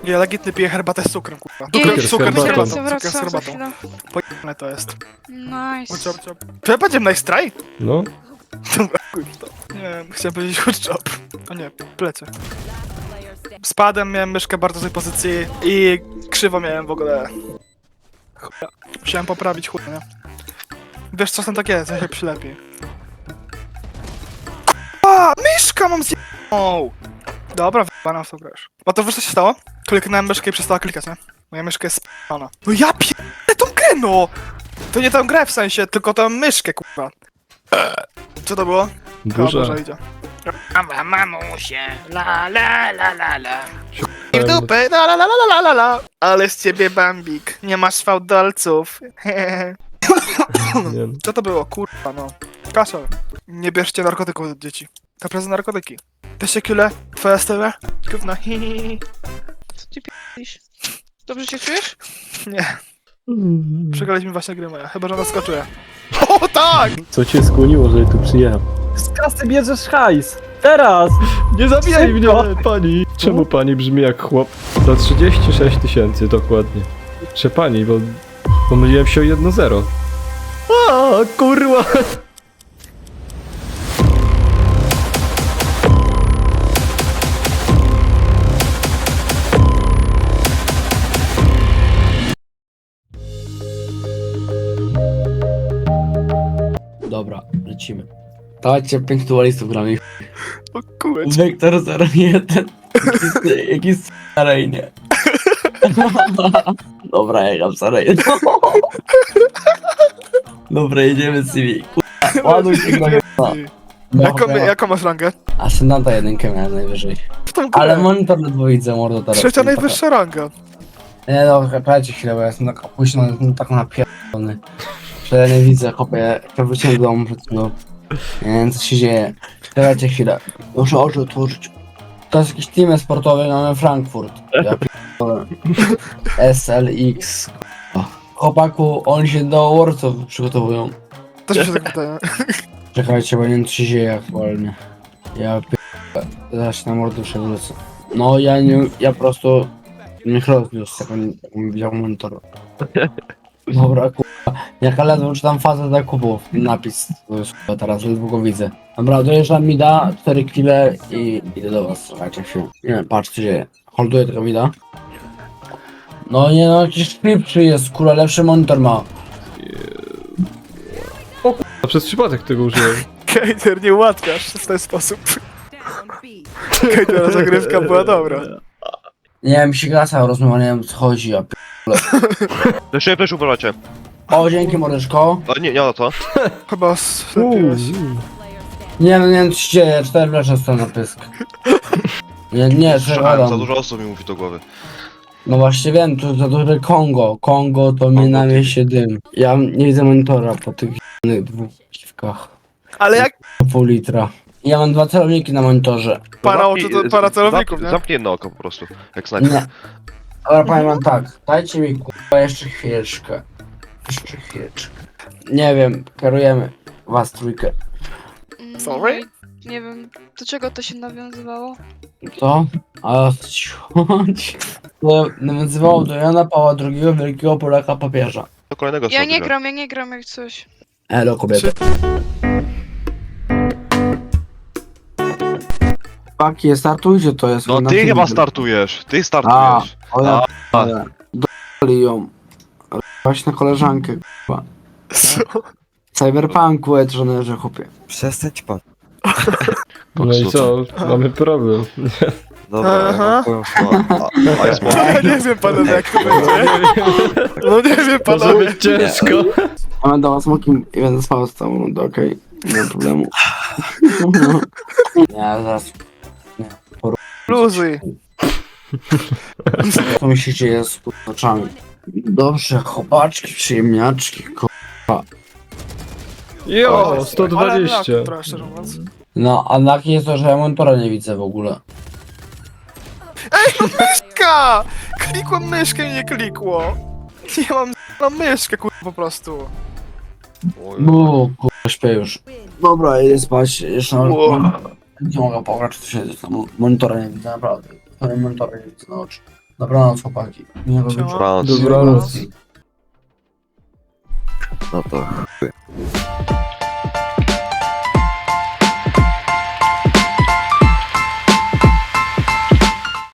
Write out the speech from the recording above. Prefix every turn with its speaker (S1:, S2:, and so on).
S1: Ja legitny piję herbatę z cukrem, kurwa.
S2: Cukier z
S1: Cukier z
S2: herbatą.
S1: herbatą. Cukier z
S3: Wracam za
S1: herbatą.
S3: chwilę.
S1: Pojebane to jest.
S3: Nice.
S1: Good job. Czy ja będziemy nice try?
S2: No.
S1: Dobra, kurwa. Nie, chciałem powiedzieć good job. O nie, plecie. Spadłem, miałem myszkę bardzo złej pozycji i krzywo miałem w ogóle. Chuja. Musiałem poprawić chuj, nie? Wiesz, czasem tak jest, ja się przylepi. A, myszka mam zjebną! Dobra, wyjebana w to grasz. A to wiesz co się stało? Kliknąłem myszkę i przestała klikać, nie? Moja myszka jest sp***ana. No ja pierdolę tą grę, no! To nie tę grę w sensie, tylko tę myszkę, kurwa. Co to było?
S2: Burza.
S1: Burza idzie. Mama, mamusie, la la la la la. I w dupę, la la la la la la la. Ale z ciebie bambik, nie masz fałdolców.
S2: Nie.
S1: Co to było, kurwa no. Kaszel, nie bierzcie narkotyków od dzieci. Naprawdę narkotyki. Weźcie kule, twoja style. Gówno, hihihi.
S3: Co ty p***isz? Dobrze się czujesz?
S1: Nie, przegraliśmy właśnie grę moja, chyba że ona skoczyła. O tak!
S2: Co cię skłoniło, żeby tu przyjechał?
S4: Z kasy bierzesz hajs! Teraz!
S2: Nie zabijaj mnie,
S4: Szybko.
S2: pani! Czemu pani brzmi jak chłop? Za 36 000 dokładnie. Czy pani, bo pomyliłem się o 1-0. A, kurwa!
S5: Dobra, lecimy. Dawajcie 5 dualistów gramy.
S1: O kurczę.
S5: Wektor 01. Jakiś arejnie. Dobra, ja gram arejnie. Dobra, jedziemy z CV. Ładuj się gramy.
S1: Jaką masz rangę?
S5: Ascendanta jedynkę miałem najwyżej.
S1: W tą grę.
S5: Ale monitor ledwo widzę, mordo teraz.
S1: Trzecia najwyższa ranga.
S5: Nie no, czekajcie chwilę, bo ja jestem tak późno, jestem tak napierdolony. Że ja nie widzę, chłopie, jak wróciłem do domu przed chwilą. Nie wiem, co się dzieje. Czekajcie chwilę. Muszę oczy otworzyć. To jest jakiś team sportowy, mamy Frankfurt. Ja pierdolę. SLX. Chłopaku, oni się do Warsów przygotowują.
S1: Też mi się tak wydaje.
S5: Czekajcie, bo nie wiem, co się dzieje aktualnie. Ja pierdolę. Zaraz się na mordusze wrócę. No, ja po prostu... Niech rozniósł, jak on widział monitor. Dobra, kurwa. Jaka ledwo czytam fazę zakupów. Napis. To jest kurwa, teraz ledwo go widzę. Dobra, dojeżdżam mida, 4 chwile i idę do was. Słuchajcie chwilę. Nie wiem, patrz co się dzieje. Holduję tego mida. No nie no, jakiś szybszy jest, kurwa, lepszy monitor ma.
S2: A przez przypadek tego użyłem.
S1: Kejter, nie ułatwiasz w ten sposób. Kejtera zagrywka była dobra.
S5: Nie wiem, mi się gasa rozmowa, nie wiem co chodzi, ja
S6: Fleszuję, uważajcie.
S5: O, dzięki mordeczko.
S6: O, nie na to.
S1: Chyba slepiłeś.
S5: Nie no, nie wiem co się dzieje, 4 flesze stoją na pysk. Nie,
S6: Słyszałem, za
S5: że
S6: dużo osób mi mówi do głowy.
S5: No właśnie wiem, tu za duże Kongo. Kongo to mnie na mieście dym. Ja nie widzę monitora po tych dwóch piwkach.
S1: Ale jak
S5: Pół litra. Ja mam 2 celowniki na monitorze.
S1: para oczu, to para celowników, nie?
S6: Zamknij jedno oko po prostu, jak snajper.
S5: Nie. Ale powiem wam tak, dajcie mi kurwa jeszcze chwileczkę. Jeszcze chwileczkę. Nie wiem, kierujemy was trójkę.
S1: Sorry?
S3: Nie wiem, do czego to się nawiązywało?
S5: To? A to nawiązywało do Jana Pawła II, wielkiego Polaka papieża.
S6: Do kolejnego
S3: Ja
S6: sobie.
S3: nie gram jak coś.
S5: Elo kobieta. Paki, startujcie, to jest...
S6: No
S5: na
S6: ty
S5: filmie.
S6: chyba startujesz, ty
S5: A,
S6: startujesz.
S5: o ja
S6: A.
S5: doli ją. Właśnie na koleżankę, kurwa.
S1: Co?
S5: Cyberpunku, że chłopie.
S7: Przestać pan.
S2: No i co? Mamy problem.
S7: Dobra,
S1: Aha.
S7: ja mam twoją słowę.
S6: A jest mowa.
S1: Ja nie wiem panowie jak to będzie. No nie wiem
S2: Może
S1: panowie.
S2: być ciężko.
S5: Ja będę was smokiem i będę spał z całą rundę, okej? Nie ma problemu. Nie, zaraz.
S1: Luzuj.
S5: Co mi się dzieje z oczami? Dobrze, chłopaczki, przyjemniaczki,
S2: Jo,
S1: Ale
S2: 120.
S1: brak, trochę, szczerze mówiąc.
S5: No, a laki jest to, że ja monitora nie widzę w ogóle.
S1: Myszka! Klikłem myszkę i nie klikło. Nie mam na myszkę kurwa po prostu.
S5: No, kurwa, śpię już. Dobra, idę spać, jeszcze
S1: Wow.
S5: nie mogę pograć, to się tam monitora nie widzę, naprawdę. Monitora nie widzę na oczy. Dobranoc, chłopaki. Miłego
S1: Siema.
S5: wieczoru.
S6: Dobranoc.
S2: Dobranoc.
S7: No to